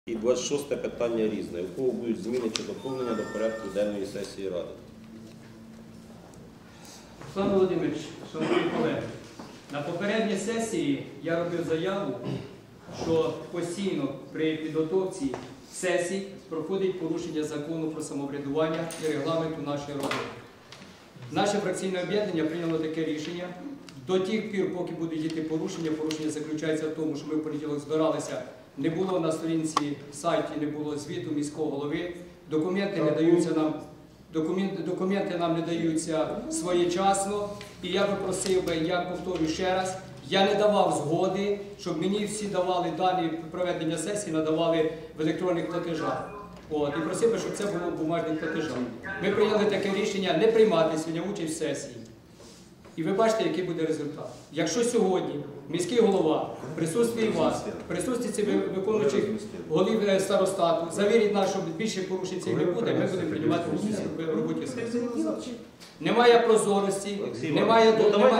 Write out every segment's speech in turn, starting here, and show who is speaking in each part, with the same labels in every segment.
Speaker 1: І 26 питання різне. У кого будуть зміни чи доповнення до порядку денної сесії Ради?
Speaker 2: Руслан Володимирович, шановні колеги, на попередній сесії я робив заяву, що постійно при підготовці сесій проходить порушення закону про самоврядування і регламенту нашої роботи. Наше фракційне об'єднання прийняло таке рішення. До тих пір, поки будуть діти порушення, порушення заключається в тому, що ми в понеділок збиралися, не було на сторінці сайті, не було звіту міського голови, документи нам не даються своєчасно. І я би просив би, я повторю ще раз, я не давав згоди, щоб мені всі давали дані проведення сесії, надавали в електронних платежах. І просив би, щоб це було в бумажних платежах. Ми прийняли таке рішення не приймати сьогодні участь в сесії. І ви бачите, який буде результат. Якщо сьогодні міський голова, в присутстві вас, в присутстві виконуючих голів старостату, завірить нас, що більше порушень цих не буде, ми будемо приймати участь в роботі сесії. Немає прозорості, немає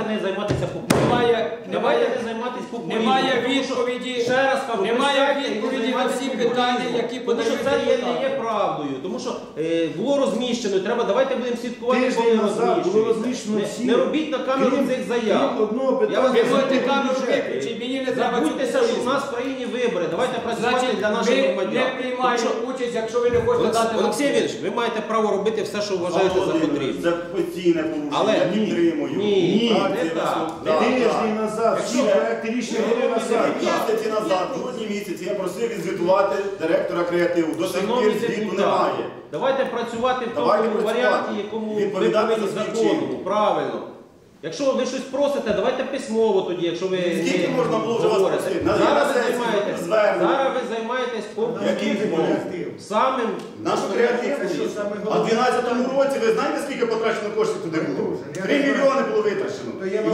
Speaker 2: відповіді на всі питання, які подають депутати.
Speaker 1: Це не є правдою, тому що було розміщено, давайте будемо слідкувати, коли розміщено. Не робіть на камеру цих заяв.
Speaker 2: Ви можете камеру виключити, мені не треба цю
Speaker 1: що в нас в країні вибори, давайте працювати для наших громадян.
Speaker 2: Ми не приймаємо участь, якщо ви не хочете дати...
Speaker 1: Олексій Ігорович, ви маєте право робити все, що вважаєте за потрібне.
Speaker 3: Це постійне порушення,
Speaker 1: Але
Speaker 3: я підтримую.
Speaker 1: Ні, не так.
Speaker 4: Тиждень назад, всі проекти рішення були на сайті.
Speaker 3: Місяці назад, в грудні місяці, я просив відзвітувати директора креативу. До сих пір звіту немає.
Speaker 1: Давайте працювати в тому варіанті, якому ви повинні закону. Правильно. Якщо ви щось просите, давайте письмово тоді, якщо ви
Speaker 3: скільки можна було вже вас просити?
Speaker 1: Зараз ви займаєтесь популізмом. Самим
Speaker 3: Наш креатив. А в 2012 році, ви знаєте, скільки потрачено коштів туди було? 3 мільйони було витрачено.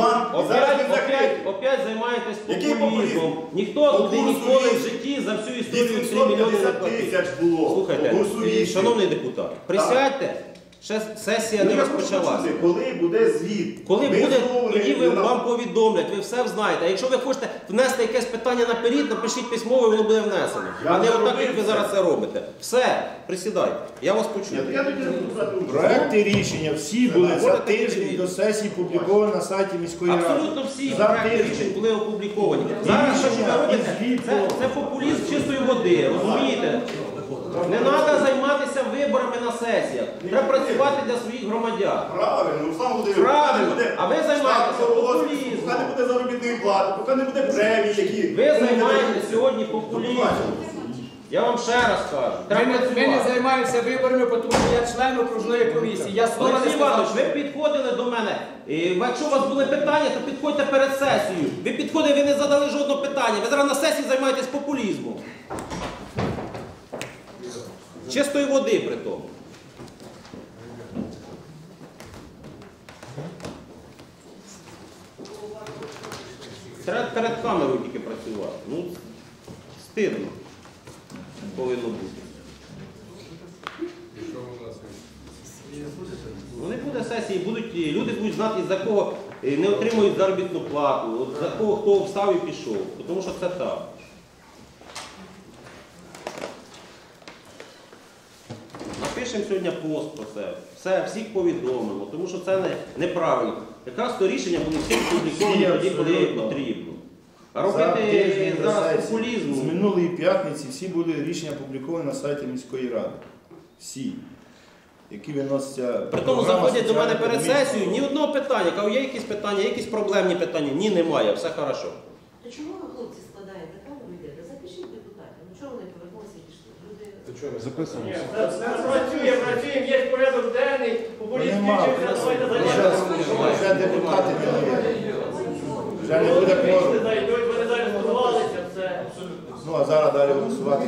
Speaker 1: Опять займаєтесь популізмом. Ніхто туди ніколи в житті за всю історію 3 мільйони не платив. Слухайте, шановний депутат, присядьте. Ще сесія не розпочалася.
Speaker 3: Коли буде звіт?
Speaker 1: Коли буде, тоді вам повідомлять, ви все знаєте. А якщо ви хочете внести якесь питання наперед, напишіть письмово, і воно буде внесено. А не отак, як ви зараз це робите. Все, присідайте, я вас почую.
Speaker 4: Проекти рішення всі були за тиждень до сесії опубліковані на сайті міської ради.
Speaker 1: Абсолютно всі проекти рішень були опубліковані. Зараз що ви робите? Це популізм чистої води, розумієте? Не треба займатися виборами на сесіях. Треба працювати для своїх громадян.
Speaker 3: Правильно, Руслан Володимирович.
Speaker 1: Правильно. А ви займаєтеся популізмом.
Speaker 3: Поки не буде заробітної плати, поки не буде премії, які...
Speaker 1: Ви займаєтеся сьогодні популізмом. Я вам ще раз кажу.
Speaker 2: Ми не займаємося виборами, тому що я член окружної комісії. Я слова не
Speaker 1: Олексій Іванович,
Speaker 2: сказав.
Speaker 1: ви підходили до мене. Якщо у вас були питання, то підходьте перед сесією. Ви підходили, ви не задали жодного питання. Ви зараз на сесії займаєтесь популізмом. Чистої води при тому. Треба перед камерою тільки працювати. Ну, стидно повинно бути. Ну не буде сесії, люди будуть знати, за кого не отримують заробітну плату, за кого хто встав і пішов. Тому що це так. Напишемо сьогодні пост про це, всіх повідомимо, тому що це неправильно. Якраз то рішення були всі опубліковані тоді, коли потрібно. А робити зараз популізм...
Speaker 4: З минулої п'ятниці всі були рішення опубліковані на сайті міської ради. Всі. Які виносяться...
Speaker 1: При тому заходять до мене перед сесією, ні одного питання. Кажу, є якісь питання, є якісь проблемні питання? Ні, немає, все хорошо.
Speaker 5: То чому ви, хлопці, складаєте камеру і йдете? Запишіть депутатів. Ну чого вони повернулися і пішли? Люди...
Speaker 4: Записуємося.
Speaker 2: Працюємо, є порядок денний, популізм включився, давайте займаємося.
Speaker 4: Вже депутати не є. Вже не буде кворуму.
Speaker 2: Вони далі збудувалися, все.
Speaker 4: Ну, а зараз далі голосувати.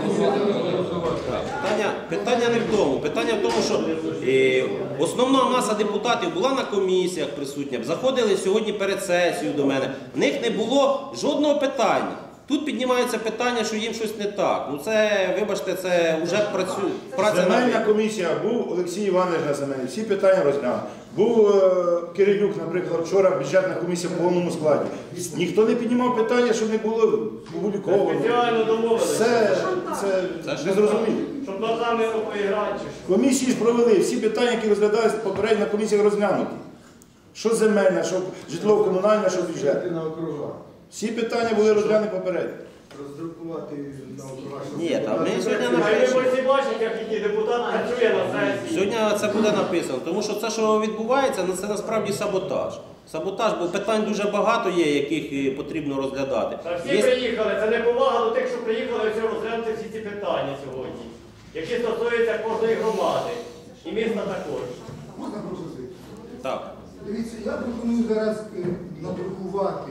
Speaker 1: Питання не в тому. Питання в тому, що основна маса депутатів була на комісіях присутня, заходили сьогодні перед сесією до мене. В них не було жодного питання. Тут піднімається питання, що їм щось не так. Ну це, вибачте, це вже праця на
Speaker 4: Земельна
Speaker 1: них.
Speaker 4: комісія, був Олексій Іванович на земельній, всі питання розглянув. Був Кирилюк, наприклад, вчора бюджетна комісія в повному складі. Ніхто не піднімав питання, щоб не було опубліковано.
Speaker 6: Спеціально домовилися,
Speaker 4: Це не зрозуміло.
Speaker 6: щоб ногами поіграти.
Speaker 4: Комісії ж провели, всі питання, які розглядалися попередньо на комісіях розглянуті. Що земельна, що житлово-комунальна, що бюджет.
Speaker 7: На округа.
Speaker 4: Всі питання були розглянуті попередньо.
Speaker 7: Роздрукувати на округа. щоб
Speaker 1: Ні, там ми сьогодні
Speaker 6: А ви
Speaker 1: напишемо.
Speaker 6: всі бачите, як який депутат працює на сесії.
Speaker 1: Сьогодні це буде написано, тому що це, що відбувається, це насправді саботаж. Саботаж, бо питань дуже багато є, яких потрібно розглядати.
Speaker 6: Та всі приїхали, це не повага до тих, що приїхали все розглянути всі ці питання сьогодні, які стосуються кожної громади. І міста також.
Speaker 7: Можна пропозицію?
Speaker 1: Так.
Speaker 7: Дивіться, я пропоную зараз надрукувати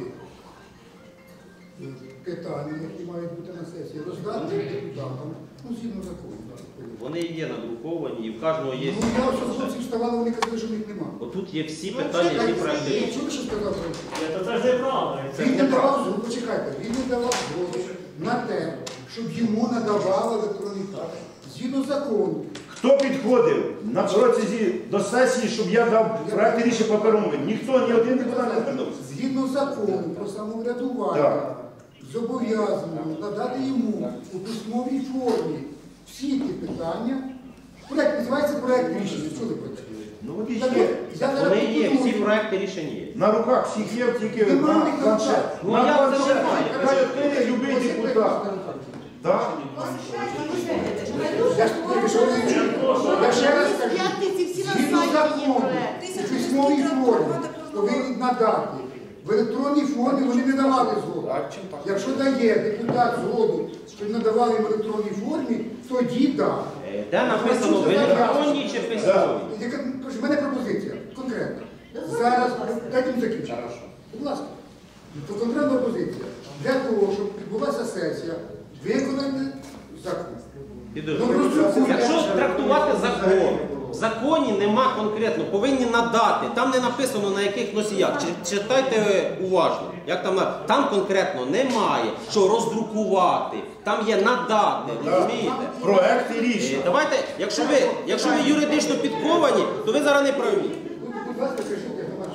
Speaker 7: питання, які мають бути на сесії, роздати депутатам, ну, згідно закону.
Speaker 1: Вони є надруковані, і в кожного є.
Speaker 7: Ну, я вже хлопці вставали, вони казали, що в них немає.
Speaker 1: Отут є всі питання, які проекти.
Speaker 7: Чули, що сказав Француз?
Speaker 6: Ні, то це ж неправда. Це
Speaker 7: Він не
Speaker 6: неправда.
Speaker 7: давав згоду, почекайте, він не давав згоду на те, щоб йому надавали електронний паспорт. Згідно закону.
Speaker 4: Хто підходив на протязі до сесії, щоб я дав проект рішення паперовими? Ніхто, ні один депутат не звернувся.
Speaker 7: Згідно закону про самоврядування,
Speaker 4: Так.
Speaker 7: зобов'язано надати йому у письмовій формі всі ті питання. Проект називається проект рішення. Що ви працюєте?
Speaker 4: Ну от і
Speaker 7: Так
Speaker 4: є.
Speaker 7: от, я зараз
Speaker 1: Вони є, всі
Speaker 7: пропоную.
Speaker 1: проекти рішень є.
Speaker 4: На руках всіх є, тільки
Speaker 7: Немає
Speaker 4: на
Speaker 7: ніхто
Speaker 4: планшет.
Speaker 7: так.
Speaker 1: Ну,
Speaker 4: На
Speaker 1: як це
Speaker 4: планшет.
Speaker 1: немає?
Speaker 4: Хай відкриє любий депутат. Так?
Speaker 7: Я ж тільки що не чую. Я ще раз кажу,
Speaker 8: П'ятниці всі на
Speaker 7: згідно
Speaker 8: сайті є
Speaker 7: закону,
Speaker 8: проект.
Speaker 7: у письмовій формі повинні надати. В електронній формі вони не давали згоду. Якщо дає депутат згоду, що надавали в електронній формі, тоді так.
Speaker 1: Де написано в електронній чи письмовій?
Speaker 7: У мене пропозиція, конкретна. Зараз, дайте мені закінчити. Будь ласка. То конкретна пропозиція. Для того, щоб відбулася сесія, виконати закон.
Speaker 1: Якщо трактувати закон, в законі нема конкретно, повинні надати. Там не написано на яких носіях. Читайте уважно. Як там конкретно немає, що роздрукувати. Там є надати, розумієте?
Speaker 4: Проекти рішення.
Speaker 1: Давайте, якщо ви юридично підковані, то ви зараз не праві.
Speaker 7: Будь ласка, кажіть,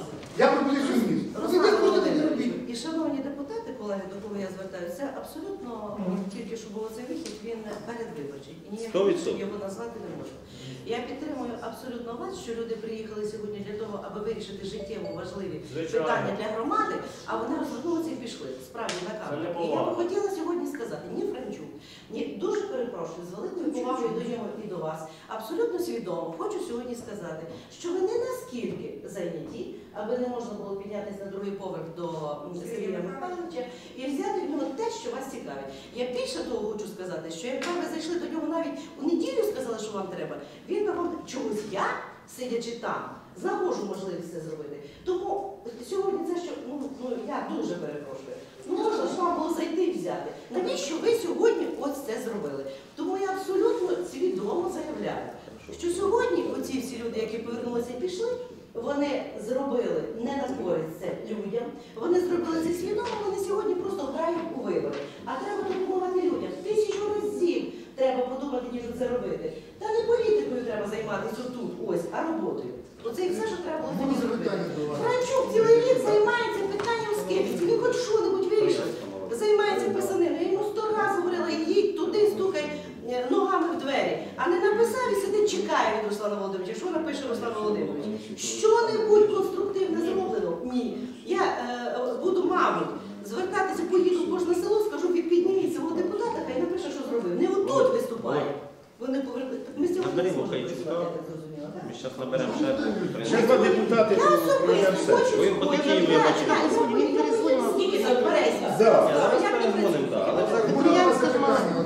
Speaker 7: я пропозицію вніс. Ви просто так не робіть.
Speaker 5: І шановні депутати, колеги, до кого я звертаюся, це абсолютно тільки що було цей вихід, він передвиборчий. І ніяк
Speaker 1: 100%.
Speaker 5: його назвати не можу. Я підтримую абсолютно вас, що люди приїхали сьогодні для того, аби вирішити життєво важливі
Speaker 6: Звичайно.
Speaker 5: питання для громади, а вони розвернулися і пішли. Справді на
Speaker 6: Це
Speaker 5: камеру.
Speaker 6: не
Speaker 5: І я
Speaker 6: повага.
Speaker 5: би хотіла сьогодні сказати, ні Франчук, ні, дуже перепрошую, з великою повагою до нього і до вас, абсолютно свідомо хочу сьогодні сказати, що ви не наскільки зайняті, аби не можна було піднятися на другий поверх до Сергія Михайловича і взяти в нього те, що вас цікавить. Я більше того хочу сказати, що якби ви зайшли до нього навіть у неділю, сказали, що вам треба, він би вам чогось я, сидячи там, знаходжу можливість це зробити. Тому сьогодні це, що я дуже перепрошую. Можна ж вам було зайти і взяти. Навіщо ви сьогодні ось це зробили? Тому я абсолютно свідомо заявляю, що сьогодні оці всі люди, які повернулися і пішли, вони зробили не на користь це людям, вони зробили це свідомо, вони сьогодні просто грають у вибори. А треба допомагати людям. 1000 разів треба подумати, ніж це робити. Та не політикою треба займатися тут, ось, а роботою. Оце і все, що треба було тоді зробити. Франчук цілий рік займається питанням скепсису. Він хоч що-небудь вирішив, займається писаниною. Я йому 100 разів говорила, їдь туди, стукай ногами в двері. А не написав і сидить, чекає від Руслана Володимировича. Що напише Руслан Володимирович? Що-небудь конструктивне зроблено? Ні. Я буду, мабуть, звертатися, поїду в кожне село, скажу, підніміть цього депутата, хай напише, що зробив. Не отут виступає. Вони повернули. Ми сьогодні не
Speaker 1: Наберемо
Speaker 5: зможемо
Speaker 1: Хайчука.
Speaker 5: працювати, я так зрозуміла. так?
Speaker 1: Ми зараз наберемо ще.
Speaker 4: Ще два депутати
Speaker 5: Я
Speaker 4: проведемо
Speaker 5: особисто
Speaker 4: сесію.
Speaker 5: хочу.
Speaker 1: Ви по такій
Speaker 5: Я
Speaker 1: вибачте.
Speaker 5: чекаю, скільки там березня?
Speaker 4: Да.
Speaker 1: Зараз перезвонимо, так. Але
Speaker 7: Будь ласка, питання.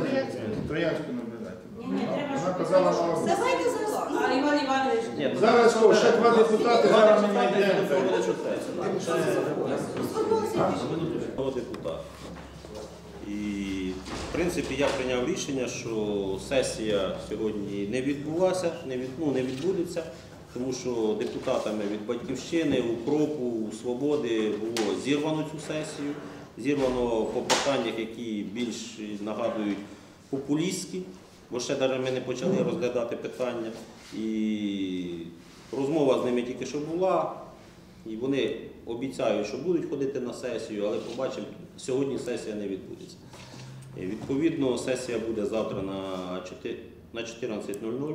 Speaker 4: Троянську наблюдайте.
Speaker 5: Ні, треба,
Speaker 4: Вона
Speaker 5: щоб
Speaker 4: казала, що...
Speaker 5: Давайте зараз. А Іван Іванович.
Speaker 1: Ні,
Speaker 4: Зараз о, ще два депутати, зараз ми
Speaker 1: депутати
Speaker 4: знайдемо.
Speaker 1: буде чути.
Speaker 5: Сформувалися
Speaker 1: Депутат. І, в принципі, я прийняв рішення, що сесія сьогодні не відбулася, не відбудеться, тому що депутатами від Батьківщини, УКРОПу, Свободи було зірвано цю сесію. зірвано по питаннях, які більш нагадують популістські, бо ще навіть ми не почали розглядати питання. І розмова з ними тільки що була, і вони обіцяють, що будуть ходити на сесію, але побачимо, сьогодні сесія не відбудеться. Відповідно, сесія буде завтра на 14:00.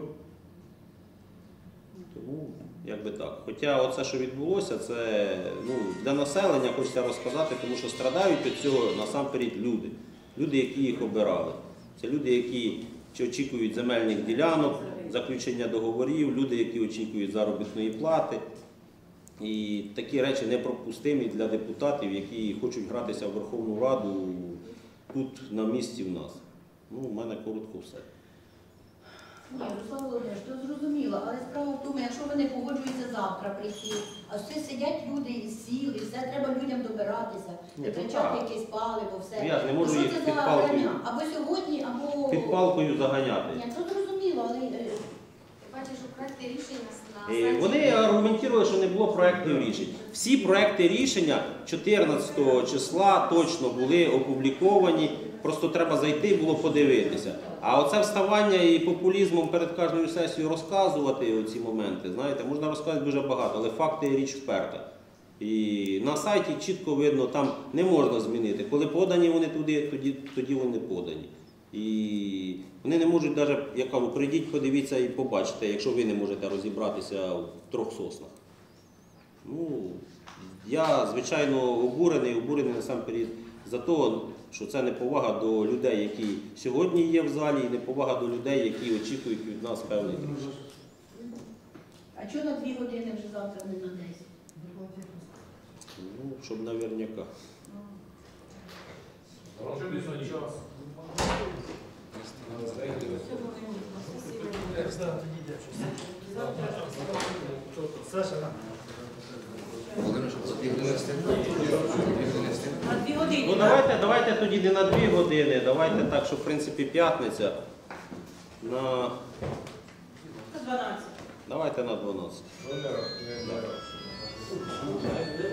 Speaker 1: Тому, якби так. Хоча оце, що відбулося, це для населення хочеться розказати, тому що страдають від цього насамперед люди. Люди, які їх обирали. Це люди, які очікують земельних ділянок, заключення договорів, люди, які очікують заробітної плати. І такі речі непропустимі для депутатів, які хочуть гратися в Верховну Раду тут, на місці в нас. У мене коротко все.
Speaker 8: Ні, Руслан Володимирович, то зрозуміло, але справа в тому, якщо вони погоджуються завтра прийти, а все сидять люди і сіли, все треба людям добиратися, витрачати якесь паливо, все.
Speaker 1: Я ж не можу
Speaker 8: що
Speaker 1: їх
Speaker 8: це
Speaker 1: під
Speaker 8: за
Speaker 1: палкою.
Speaker 8: грання? Або сьогодні, або...
Speaker 1: Під палкою заганяти.
Speaker 8: Ні, то зрозуміло, але...
Speaker 9: Бачиш, що проекти рішення
Speaker 1: Вони аргументували, що не було проєктів рішень. Всі проєкти рішення 14 числа точно були опубліковані, просто треба зайти було подивитися. А оце вставання і популізмом перед кожною сесією розказувати оці моменти, знаєте, можна розказати дуже багато, але факти – річ вперта. І на сайті чітко видно, там не можна змінити. Коли подані вони туди, тоді вони подані. І вони не можуть навіть, я кажу, прийдіть, подивіться і побачите, якщо ви не можете розібратися в 3 соснах. Я, звичайно, обурений насамперед за те, що це неповага до людей, які сьогодні є в залі, і неповага до людей, які очікують від нас певних рішень.
Speaker 8: А чого на 2 години вже завтра, не на 10?
Speaker 1: Щоб наверняка.
Speaker 5: На 2 години.
Speaker 1: Давайте тоді не на 2 години, давайте так, що в принципі п'ятниця. На
Speaker 5: 12.
Speaker 1: Давайте на 12.